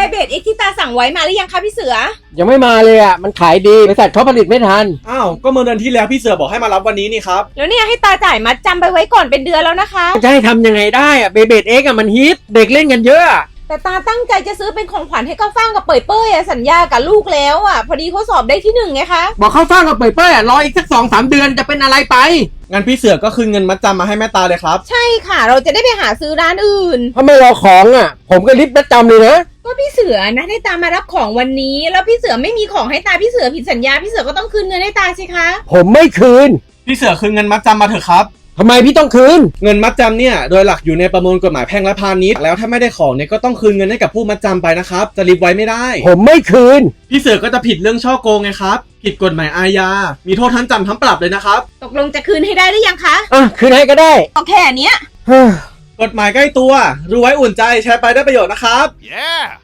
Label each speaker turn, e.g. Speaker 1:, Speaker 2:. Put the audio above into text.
Speaker 1: เบดเอ็กที่ตาสั่งไว้มาหรือยังคะพี่เสือ
Speaker 2: ยังไม่มาเลยอ่ะมันขายดีบริษัทเขาผลิตไม่ทัน
Speaker 3: อ้าวก็เมื่อเดือนที่แล้วพี่เสือบอกให้มารับวันนี้นี่ครับ
Speaker 1: แล้วเนี่ยให้ตาจ่ายมัดจำไปไว้ก่อนเป็นเดือนแล้วนะคะ
Speaker 2: จะให้ทำยังไงได้อ่ะเบเบดเอ็กอ่ะมันฮิตเด็กเล่นกันเยอะ
Speaker 1: แต่ตาตั้งใจจะซื้อเป็นของขวัญให้ก้าวฟ่างกับเป่ยเป้ยสัญญากับลูกแล้วพอดีเขาสอบได้ที่1ไงคะ
Speaker 2: บอกเข้าฟ้างกับเป่ยเป้ยรออีกสัก2-3 เดือนจะเป็นอะไรไป
Speaker 3: งั้นพี่เสือก็คืนเงินมัดจำมาให้แม่ตาเลยครับ
Speaker 1: ใช่ค่ะเราจะได้ไปหาซื้อร้านอื่น
Speaker 2: ถ้าไม่รอของผมก็รีบมัดจำเลยนะ
Speaker 1: ก็พี่เสือนะให้ตามารับของวันนี้แล้วพี่เสือไม่มีของให้ตาพี่เสือผิดสัญญาพี่เสือก็ต้องคืนเงินให้ตาสิคะ
Speaker 2: ผมไม่คืน
Speaker 3: พี่เสือคืนเงินมัดจำมาเถอะครับ
Speaker 2: ทำไมพี่ต้องคืน
Speaker 3: เงินมัดจำเนี่ยโดยหลักอยู่ในประมวลกฎหมายแพ่งและพาณิชย์แล้วถ้าไม่ได้ของเนี่ยก็ต้องคืนเงินให้กับผู้มัดจำไปนะครับจะรีบไว้ไม่ได้
Speaker 2: ผมไม่คืน
Speaker 3: พี่เสือก็จะผิดเรื่องช่อโกงไงครับผิดกฎหมายอาญามีโทษทั้งจำทั้งปรับเลยนะครับ
Speaker 1: ตกลงจะคืนให้ได้หรือยังคะ
Speaker 2: คืนให้ก็ได้
Speaker 1: โอเคเนี้ย
Speaker 3: กฎหมายใกล้ตัวรู้ไว้อุ่นใจแชร์ไปได้ประโยชน์นะครับ yeah